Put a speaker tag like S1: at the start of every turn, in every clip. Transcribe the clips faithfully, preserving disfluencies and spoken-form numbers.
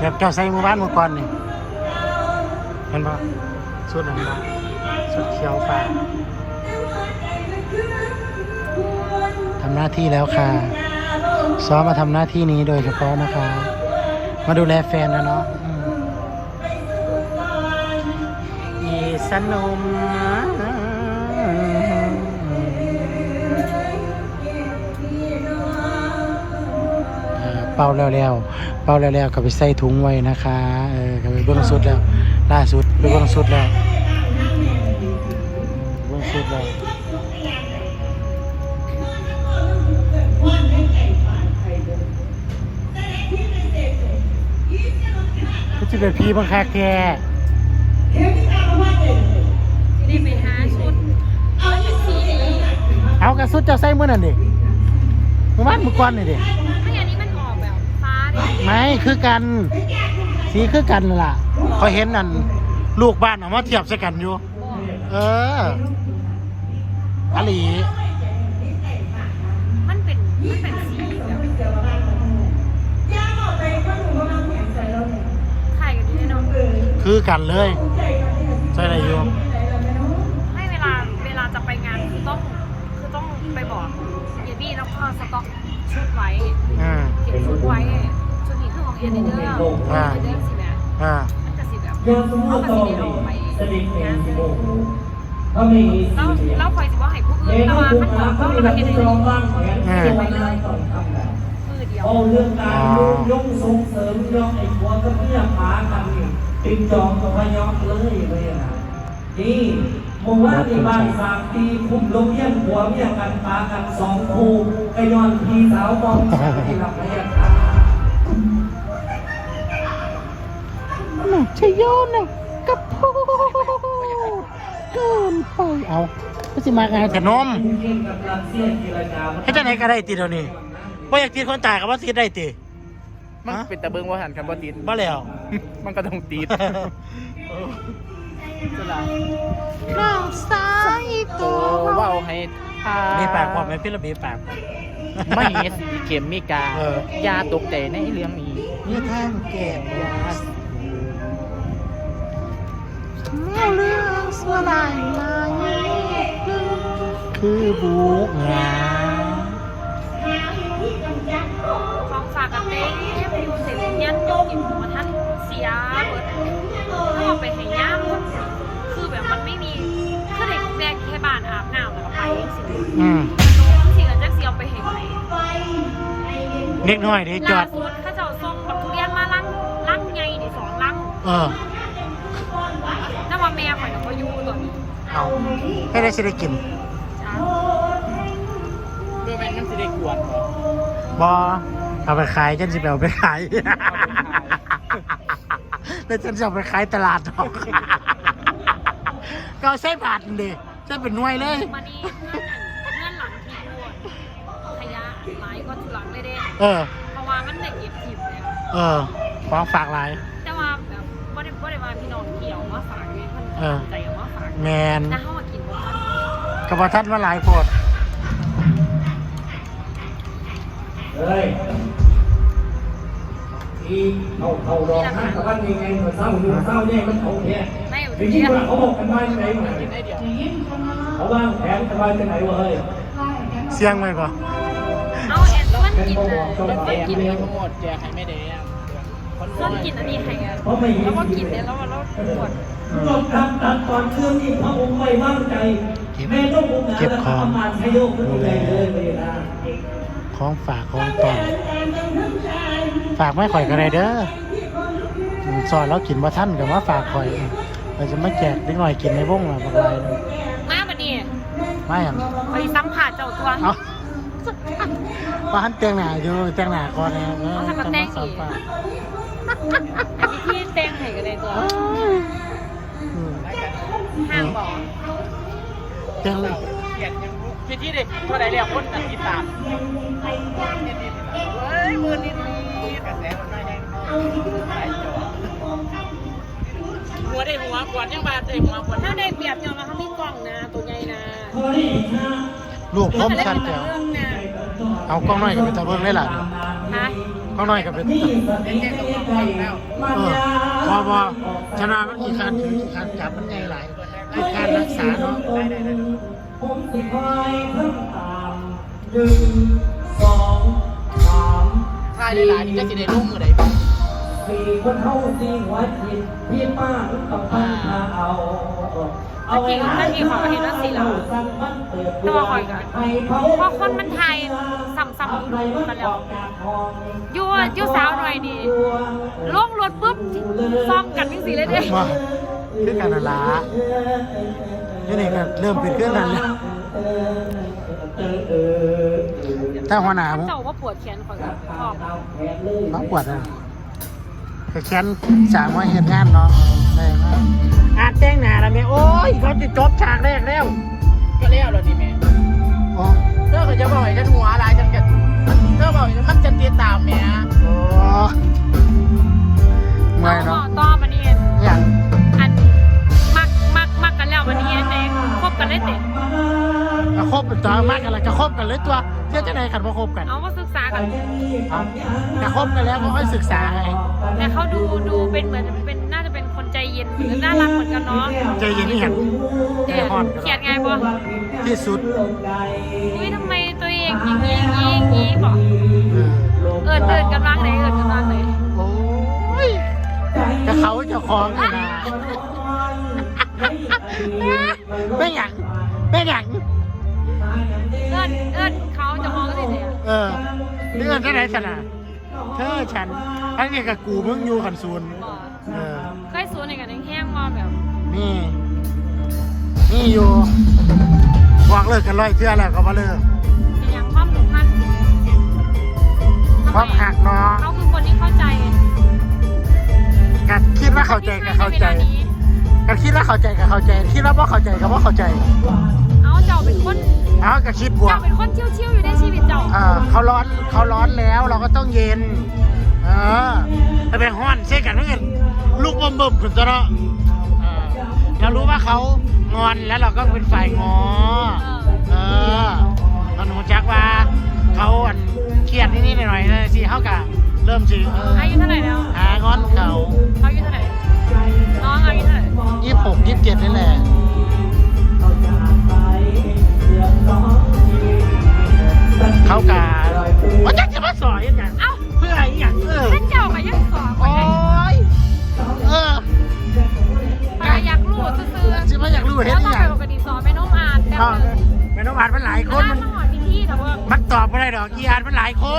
S1: แบบเจ้าใส่มือบ้านมือก่อนนี่เห็นปะชุดนั้นปะชุดเขียวฟ้าทำหน้าที่แล้วค่ะซ้อมมาทำหน้าที่นี้โดยเฉพาะนะคะมาดูแลแฟนนะเนาะอีสนุมเป่าแล้วแล้วเป่าแล้วแล้วก็ไปใส่ถุงไว้นะคะเออก็ไปเบื้องสุดแล้วล่าสุดไปเบื้องสุดแล้วเบื้องสุดแล้วก็จะเป็นพี่บังคับแก
S2: นี่ไปหาชุดเอาเป็นสีนี้
S1: เอากระสุดเจ้าใส่เมื่อนั่นดิเมื่อวานเมื่อก่อนนี่ดิ
S2: ไม่อันนี้มันออกแบบฟ้าดิ
S1: ไม่คือกันสีคือกันล่ะพอเห็นนั่นลูกบ้านออกมาเทียบใส่กันอยู่เอออลี
S2: มันเป็นมันเป็นสีแบบไข่กันดีเนาะ
S1: คือกันเลยใช่อะไรอยู่
S2: ไม่เวลาเวลาจะไปงานคือต้องคือต้องไปบอกเยบี้แล้วก็สต็อกชุดไว้เก็บชุดไว้ชุดนี้คือของเอเดเดอร์เอเดเดอร์สิแม่มันจะสีแบบเขาก็สีเดียวไปงานแล้วแล้วคอยสิว่าให้ผู้อื่นแต่ว่าขั้นตอนเขาเราเอเดเดอร์เก็บไว้เลยมือเดียว
S3: เอาเรื่องการยกส่งเสริมยกไอ้หัวกับเมียหากันนี่ติดจองกับพยอกเลยเลยนะนี่มองว่าในบ้านสามปีคุมลงเยี่ยมหัวเมียกันตากันสองคู่กระยอนพี่สาวมองที่หลับพยาค่ะ
S1: น่าจะโยนน่ะกับพูดเกินไปเอาก็สิมากันให้แต่นมให้เจ้าไหนก็ได้ตีเดี๋ยวนี้ว่าอยากตีคนตายกับว่าตีได้ตี
S4: มันเป็นตะเบิงว่าหันกันบ่ติด
S1: บ้าแล้ว
S4: มันก็ต้องติดสลาย
S1: น้องสายตัว
S4: เว้าให้ทา
S1: มีปากความไม่พิรบีปาก
S4: ไม่มีสีเข็มมีกายาตกใจในเรื่องนี้
S1: มีทางเก็บยาเมื่อเรื่องสลายมาคือบุกงา
S2: ของฝากกับเต้อยู่เสร็จยันยกกินหัวท่านเสียเบิดถ้าเอาไปให้ย่ามคือแบบมันไม่มีคือเด็กแม่แค่บ้านอาบน้ำแล้วก็ไปสิ
S1: อืม
S2: สิกันจักเสียเอาไปให้ไหน
S1: เล็กน้อยดิจอด
S2: ล่าสุดข้าเจ้าส่งบักทุเรียนมาลังลังใหญ่ดิสองลัง
S1: เออ
S2: แต่ว่าแม่ข่อยน่ะบ่อยู่ตัวนี้
S1: เอาให้ได้สิได้กิน
S2: จ้า
S4: เพื่อแม่นสิได้กวน
S1: บอเอาไปขายฉันสิไปเอาไปขายแล้วฉันจะเอาไปขายตลาดหรอกก็ใช้บาทดิใช้เป็นหน่วยเลย
S2: มานี่เงื่อนเงื่อนหลังที่ปวดขยะหลายก็ทุลังเลยเด้
S1: เออ
S2: เพราะว่ามันได้เก็บทิพย์แล้ว
S1: เออฟ้องฝากหลาย
S2: แต่ว่าแบบบ่ได้บ่ได้ว่าพี่น้องเที่ยวมาฝากนี่มันใจเอามาฝาก
S1: แมน
S2: นะเฮากินบ่ทัน
S1: กับบ่ทันว่าหลายโพด
S3: เฮ้ยอีเขาเขารอหน้ากับวันยังไงเหมือนเศร้าอยู่เศร้าเนี่ยมันเขาเนี่ยจริงๆว่าเขาบอกกันไว้ที่ไหนมาเขาวางแผนกันไว้ที่ไหนวะเฮ้ย
S1: เสียงไหมก่อน
S2: เอาแอนมันกินเลยมันกินเลย
S4: ทั้งหมดแจกให้ไม่ได้
S2: มันกินอันนี้ให้กันแล้วก็กินเนี่ยแล้วแล้วปวด
S3: ตอนตัดตัดตอนเครื่องนี่พระองค์ไม่ว่างใจแม่ต้ององค์งานแล้วประมาณให้โยกขึ้นไปเลยเวลา
S1: ของฝากของตอนฝากไม่ข่อยกันเลยเด้อซอยแล้วกินมาท่านกับว่าฝากข่อยเราจะไม่แจกนิดหน่อยกินในวงละบางราย
S2: มาบัดนี้
S1: ไม่อย่าง
S2: ไปซ้ำขาดเจ้าตัว
S1: เอาบ้านเตียงหนาอยู่เตียงหนาก่อนนะ
S2: เออทำกับแตงอีกที่แตงให้กันในตัวห้างบอก
S1: เตียงเลย
S4: พี่ที่เด็กเท่าไหร่แล้วคนติดตามเฮ้ยมือนิดนิดกระแสมันไม่แรงหัวได้หัวขวดยังบาดได้หัวขวด
S2: ถ้าได้เปรียบยอมมาเขามีกล่องนะตัวใหญ่นะ
S1: ลูกพร้อมชัดเดียวเอากล้องน้อยกับเป็นตะเบิ้งได้หรอ
S2: ฮะ
S1: เขาหน่อยกับเป็น
S3: นี่สติไม่ได้มัน
S1: เออย
S3: า
S1: พอพอชนะมันกี่คันถือกี่คันจับมันใหญ่หลายกี่คันรักษาเนาะ
S3: ผมสิคอยทำตามหนึ่งสองสาม
S4: ทายหลายๆนี่จะสิได้ลงมือใดบ้าง
S3: สี่คนเท่าสี่หัวจิตพี่ป้าต้องตั้งท่าเอาเอาเวลาสั่งมันเปิดตัวให้เขา
S2: เพราะคนมันไทยซ้ำๆกันแล้วอยู่อยู่สาวหน่อยนี่ลงรถปุ๊บซ่อมกันจังซี่เลยเด้
S1: มาคือการละนี่นี่ก็เริ่มเป็นเครื่องนั้นแล้วถ้าหัวหน้าผม
S2: เจ้าว่าปวดแขนข่อยก็ชอบ
S1: น้องปวดอ่ะแต่แขนสามวันเห็นงานเนาะได้มากอาจแต่งหน้าแล้วแม่โอ้ยเขาจะจบฉากแรกแล้ว
S4: ก็แล้วเหรอนี่แม่
S1: โอ้
S4: เธอก็จะบอกให้ฉันหัวอะไรฉันก็เธอบอกมันจะติดตามแม่
S1: โอ้เมื่อยเนาะ
S2: ต่อมานี่
S1: อย่าง
S2: อันมักมักมักกันแล้ววันนี้เองคบกันได้เตะ
S1: กระคบเป็นตัวมากกันเลยกระคบกันเลยตัวเที่ยวจะไหนกันพอคบกัน
S2: เอามาศึกษากัน
S1: เอากระคบกันแล้วก็ค่อยศึกษาไง
S2: แต่เขาดูดูเป็นเหมือนเป็นน่าจะเป็นคนใจเย็นหรือน่ารักเหมือนกันเนาะ
S1: ใจเย็นนี่เห็น
S2: เดี๋ยวเขียนไงบอ
S1: ที่สุด
S2: อุ้ยทำไมตัวเองอย่างนี้อย่างนี้อย่างนี้บอก
S1: เออ
S2: เอิดเอิดกันบ้างไหนเอิดกันบ้างไหน
S1: โอ้ยกระเขาเจะคล้าของเลยนะไม่หยังไม่หยัง
S2: เอิดเอิดเขาจะมองกันเลย
S1: เออเรื่องที่ไหนสนะเธอฉันทั้งนี้กับกูมึงอยู่ขันซูนเออ
S2: เคยสูนในกันแห้งมาแบบ
S1: นี่นี่อยู่บอกเลิกกันร้อยเทื่อแล้วก็มาเลิก
S2: เป็นอย่างความผูกพัน
S1: ความหักเนาะ
S2: เขาคือคนที่เข้าใจ
S1: กัดคิดว่าเข้าใจกับเข้าใจกัดคิดว่าเข้าใจกับเข้าใจคิดว่าบ่เข้าใจกับบ่เข้าใจ
S2: เอาเจ้าเป็นคน
S1: เอาก็คิดบว
S2: เจ้าก เป็นคนเชี่ยวๆอยู่ในชีวิตเจ้า
S1: เออเขาร้อนเขาร้อนแล้วเราก็ต้องเย็นเออแต่ไปห้อนเช่กันนั่นลูกบ่มบ่มขึ้นตัวเนาะเออเรารู้ว่าเขางอนแล้วเราก็เป็นฝ่ายงอเออเราหนูจักว่าเขาอันเครียดนิดๆหน่อยๆนะสิเขากะเริ่มสิเออ
S2: อายุเท่าไหร่แล้ว
S1: หางอนเขา
S2: เขาอายุเท่าไหร่น้องอายุเท่าไหร่
S1: ยี่สิบหกยี่สิบเจ็ดนี่แหละเขากะว่าจักจะมาสอยยังไง
S2: เอ้า
S1: เพื่ออะไรอย่างเออ
S2: ท่านเจ้าก็ยังสอนค
S1: โอ้
S2: นไหน
S1: ยเออ
S2: ไปอยากรู้ซื่อๆ
S1: จิมาอยากรู้
S2: แล้
S1: เห็น
S2: ว
S1: อ
S2: ต้อง
S1: หย่า
S2: ไป
S1: ง
S2: ปกติสอนไม่น้องอ่านแต่
S1: อ้าว
S2: ว่า
S1: แม่น้องอาจมันหลายค
S2: คน
S1: น
S2: มั
S1: มัน น
S2: หอดพิธีแต่ว่า
S1: มันตอบไม่ได้ดอกอีอาจมันหลายคน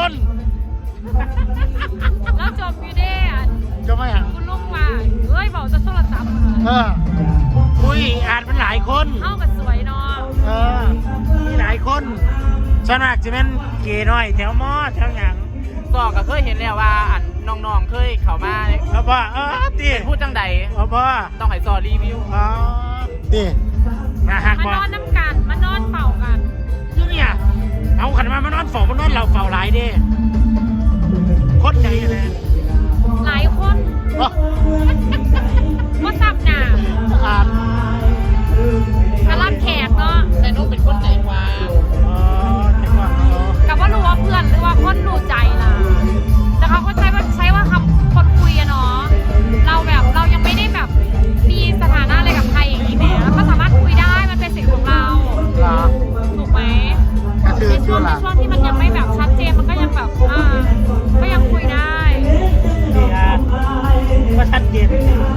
S2: แล้วจบอยู่ได้อ่ะ
S1: จะไม่อย่าง
S2: คุณลุงว่าเฮ้ยบอกจะโทรศัพท์
S1: เอออุ้ยอาจมันหลายคน
S2: เข้ากับสวยเนาะ
S1: เออมีหลายคนส่วนมากจะเป็นเกย์น้อยแถวมอแถวหยัง
S4: ก็ก็เคยเห็นแล้วว่าอันน้องๆเคยเข้ามา
S1: เอาบ่เออตี
S4: เป็นพูดจังใด
S1: เอาบ่
S4: ต้องให้ซอรีวิว
S1: อ๋อตีมาหัก
S2: มา
S1: บ่
S2: นอนน้ำกันมานอนเป่ากัน
S1: คือเนี่ยเอาขันมามานอนเฝ้ามานอนเราเฝ้าหลายเด้คนใจเลย
S2: หลายคน
S1: บ่
S2: ว่าสับหนา
S1: อ่าน
S2: กระลับแขกเนาะ
S4: แต่นุ๊กเป็นคนใจกว่า
S1: อ๋อเห็นว่าอ๋อ
S2: กับว่ารู้ว่าเพื่อนหรือว่าคนรู้ใจล่ะแต่เขาก็ใช้ว่าใช้ว่าคำคนคุยอะเนาะเราแบบเรายังไม่ได้แบบมีสถานะอะไรกับใครอย่างนี้เนี่ยก็สามารถคุยได้มันเป็นสิทธิ์ของเรา
S1: เหรอ
S2: ถูกไหม
S1: ก็คือ
S2: ในช่
S1: คื
S2: ว
S1: อง
S2: ใน
S1: หลัง
S2: ช่วงที่มันยังไม่แบบชัดเจนมันก็ยังแบบอ่าก็ยังคุยได้
S1: นี่ฮะว่าชัดเจน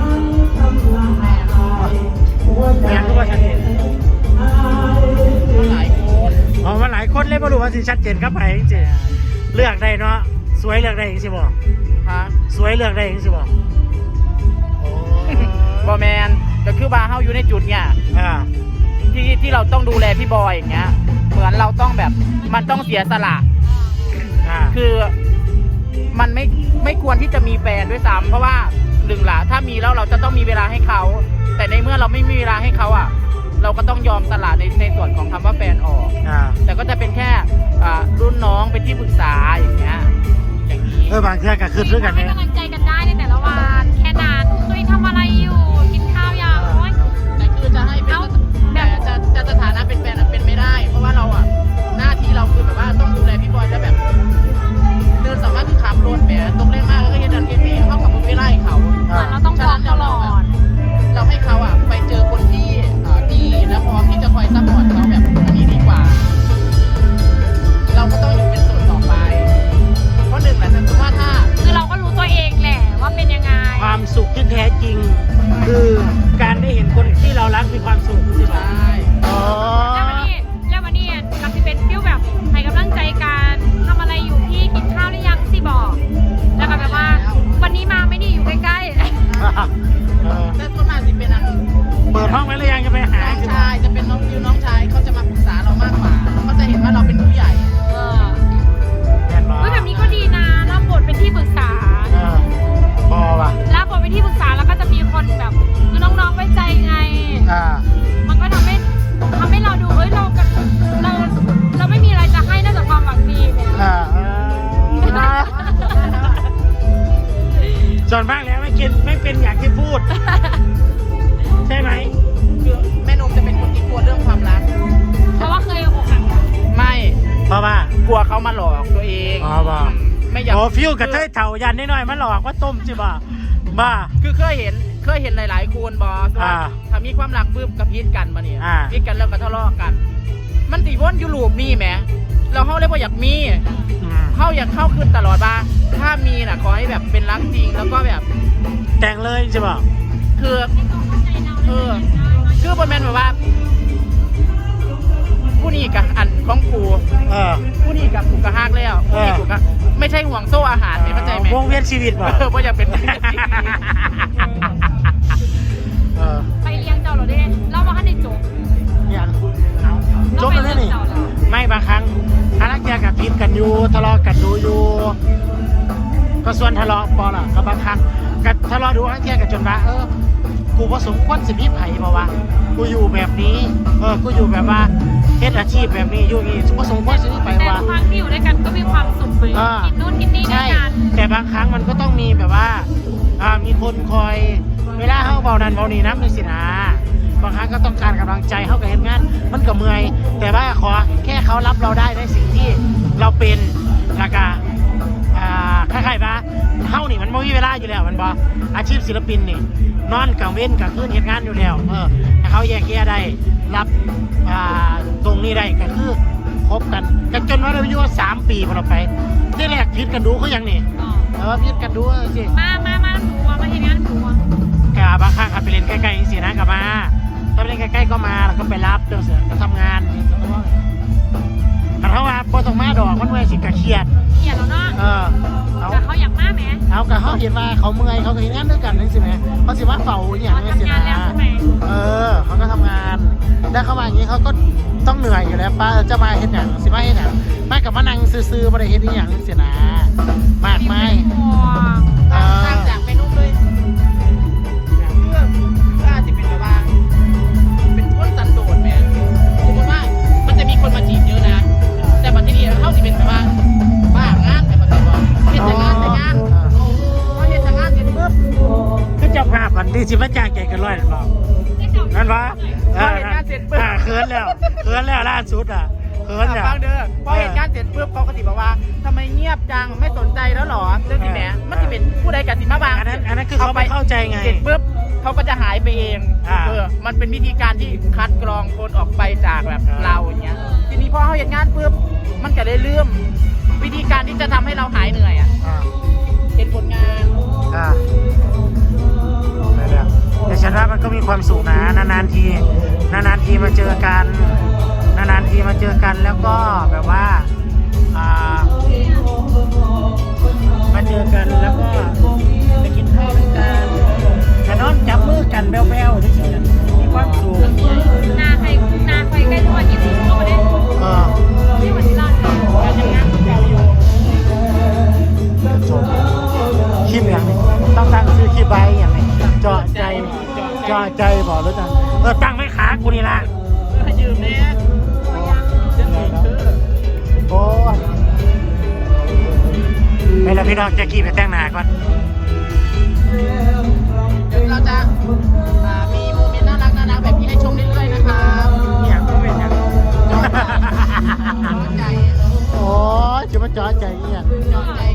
S1: แม่ก็ว่าชัดเจน
S4: หลายคน
S1: อ๋อมาหลายคนเลยไม่รู้ว่าสิชัดเจนครับไปจริงๆเลือกได้เนาะสวยเลือกได้จริงสิบ่
S4: ฮะ
S1: สวยเลือกได้จริงสิบ่โอ้
S4: บอแมนก็คือบาร์เฮาอยู่ในจุดเนี่ย
S1: อ่า
S4: ที่ที่เราต้องดูแลพี่บอยอย่างเงี้ย เหมือนเราต้องแบบมันต้องเสียสละ
S1: อ่า
S4: คือมันไม่ไม่ควรที่จะมีแฟนด้วยซ้ำเพราะว่าหนึ่งละถ้ามีแล้วเราจะต้องมีเวลาให้เขา แต่ในเมื่อเราไม่มีเวลาให้เขาอ่ะ เราก็ต้องยอมสละในในส่วนของคำว่าแฟนออก
S1: อ่า
S4: แต่ก็จะเป็นแค่อ่ารุ่นน้องเป็นที่ปรึกษาอย่างเงี้ยอย่างนี้
S1: เออบางเทื่อก็คือด้วยกัน
S2: ให้
S1: เนี่ย
S2: กำลังใจกันได้ในแต่ละวันแค่นั้นเคยทำอะไรอยู่กินข้าวยังโอ๊ย
S4: แต่คือจะให้เป็น
S2: เอ้า
S4: แต่จะจะสถานะเป็นแฟนอะเป็นไม่ได้ เพราะว่าเราอ่ะหน้าที่เราคือแบบว่าต้องดูแลพี่บอยแล้วแบบเดินสามารถคือขับรถแหม
S1: ส่วนมากแล้วไม่กินไม่เป็นอย่างที่พูด ใช่ไหม
S4: คือแม่นมจะเป็นคนที่กลัวเรื่องความรัก
S2: เพราะว่าเคยอกหัก
S4: ไม่
S1: เพราะว่าก
S4: ลัวเขามาหลอกตัวเอง
S1: อ๋อบ่
S4: ไม่อยาก
S1: โอ้ฟิวกับเทยเถายันนิดหน่อยมันหลอกว่าต้มจิบ่าบ้า
S4: คือเคยเห็นเคยเห็นหลายๆคนบอสว่า
S1: อ่า
S4: ถ้ามีความรักปุ๊บกับพีดกันมาเนี่ย
S1: อ่า
S4: พีดกันแล้วก็ทะเลาะกัน มันตีวนอยู่ลูปมีแหมเราเข้าเรียกว่าอยากมี
S1: อืม
S4: เข้าอยากเข้าขึ้นตลอดบ้าถ้ามีน่ะขอให้แบบเป็นรักจริงแล้วก็แบบ
S1: แต่งเลยจิบ่า
S4: คือเออคือบนแมนแบบว่า ผู้นี้กับอันของกู
S1: เออ
S4: ผู้นี้กับกูกับฮักแล้วผู้นี้กูกับไม่ใช่ห่วงโซ่อาหารเนี่ยเข้าใจไหม
S1: วงเวียนชีวิตบ่
S4: เออว่าอยากเป็น
S1: เออ
S2: ไปเลี้ยงเจ้าเราได้เรามาขั้นในจบ
S1: อย่างเอาจบแล้วนี่ ไม่บางครั้งฮารักแยกับพิษกันอยู่ทะเลาะกันดูอยู่ ก็ส่วนทะเลาะปอล่ะก็บางครั้งก็ทะเลาะดูฮักแยกับจนว่าเออ กูผสมควรสิมีไผ่มาวะกูอยู่แบบนี้ เออ กูอยู่แบบว่าเฮ็ดอาชีพแบบนี้อยู่นี่ผสมควรสิมีไผ่
S2: แต่
S1: วะ
S2: ทุกครั้งที่อยู่ด้วยกันก็มีความสุขไป
S1: อ่า
S2: กินนู่นกินนี่ด้ว
S1: ใช่
S2: ยกัน
S1: แต่บางครั้งมันก็ต้องมีแบบว่า อ่า มีคนคอย เวลาเขาเบานันเบานี่น้ำเลยสินะบางครั้งก็ต้องการกำลังใจเขากับเห็นงาน มันก็เมื่อย แต่ว่าขอแค่เขารับเราได้ในสิ่งที่เราเป็นแล้วก็อ่าคล้ายๆว่าเฮ้านี่มันไม่มีเวลาอยู่แล้วมันบออาชีพศิลปินนี่ นอนกลางเว้นกลางคืนเห็นงานอยู่แล้ว เออถ้าเขาแยกแยะได้ รับอ่าตรงนี้ได้ก็คือคบกันกันจนว่าเราอยู่ว่าสามปีพอเราไปที่แรกพิดกันดูเขายังนี่
S2: อ๋อ
S1: เออพิดกันดูสิ
S2: มามามาหนูมามาเห็นงานหนูอะ
S1: กบางครั้งขับไปเล่นใกล้ๆสินะกลับมาถ้าไปเล่นใกล้ๆก็มาแล้วก็ไปรับเดี๋ยวเสือก็ทำงานแต่ถ้าว่าพอต้องมาดอกมันเมื่อยสิกะเครียด
S2: เขียนแล้วเนาะ
S1: เออเอา
S2: แต่เขาอยากมาไหม
S1: เอากะเขาเห็นว่าเขาเมื่อยเขาก็เห็นงานด้วยกันนั่นสิแม่เขาสิว่าเฝ้าอย่าง
S2: เขา
S1: นี้สิ
S2: ทำงาน
S1: นะ
S2: แล้วใช่ไหม
S1: เออเขาก็ทำงานได้เข้ามาอย่างนี้เขาก็ต้องเหนื่อยอยู่แล้วป้าจะมาเห็นอย่างสิมาเห็นอย่างไม่กับมานั่งซื้อๆมาได้เห็นอย่างนี้สินะมากไหม
S2: ห่วง
S1: เอ
S4: ต่าง
S1: อ
S4: จากเมนูเลยเรื่องก็อาจจะเป็นแบบว่าเป็นคนสันโดษไหมสมมติว่ามันจะมีคนมาจีบเยอะนะ แต่บัดที่นี่เข้าสิเป็นแบบว่าบ้างานแต่บัดนี้บอกเห็นแต่งานแต่งานพอเห็นแต่งานเสร็จปุ๊บ
S1: คือเจ้าภาพวันที่สิบมาจ้างแกกันร้อยหรือเปล่านั่นวะเขินแล้วเขินแล้วล่าสุดอ่ะเขินแล้ว
S4: ฟังเด้อพอเห็นงานเสร็จปุ๊บเขาก็ติบอกว่าทำไมเงียบจังไม่สนใจแล้วหรอเรื่องนี้แหมมันจะเป็นผู้ใดกับสิมาบาง
S1: อันนั้นอันนั้นคือเขาไม่เข้าใจไง
S4: เสร็จปุ๊บเขาก็จะหายไปเอง
S1: อ่า
S4: เออมันเป็นวิธีการที่คัดกรองคนออกไปจากแบบ
S1: อ่า
S4: เราอย่างเงี้ยทีนี้พอเขาเห็นงานปุ๊บมันก็เลยเลื่อมวิธีการที่จะทำให้เราหายเหนื่อยอ่ะ
S1: อ่า
S4: เห็นผลงาน
S1: อ่าไปแล้วแต่ฉันว่ามันก็มีความสุขนะนานๆทีนานๆทีมาเจอกันนานๆทีมาเจอกันแล้วก็แบบว่าอ่ามาเจอกันแล้วก็ไปกินข้าวด้วยกันแต่นอนจับมือกันแบ๊วๆที่สุดมีความสุข
S2: นาใครนาใครใกล้ทุกวันยี่สิบเข้ามาได้
S1: เออ
S2: ที่วันที่ร้านเขา
S4: การทำงานของเราอยู่
S1: จบคลิปอย่างนี้ต้องตั้งชื่อคลิปไว้อย่างนี้เจาะใจเจาะใจบอกแล้วกันเออตั้งไม่ขากูนี่ละ
S4: เพื่อยืมเนี่ยจะถึงคือ
S1: โอ้ยไปแล้วพี่น้องแจ็คกี้ไปแต่งหน้าก่อน
S4: เดี๋ยวเราจะอ่ามีโมเมนต์น่ารักน่ารักแบบนี้ให้ชมเรื่อยๆนะครับ
S1: เนี่ยก็เป็นอย่าง
S4: จอใจ
S1: โอ้ยจะมาเจาะใจเนี่ย
S4: จอใจ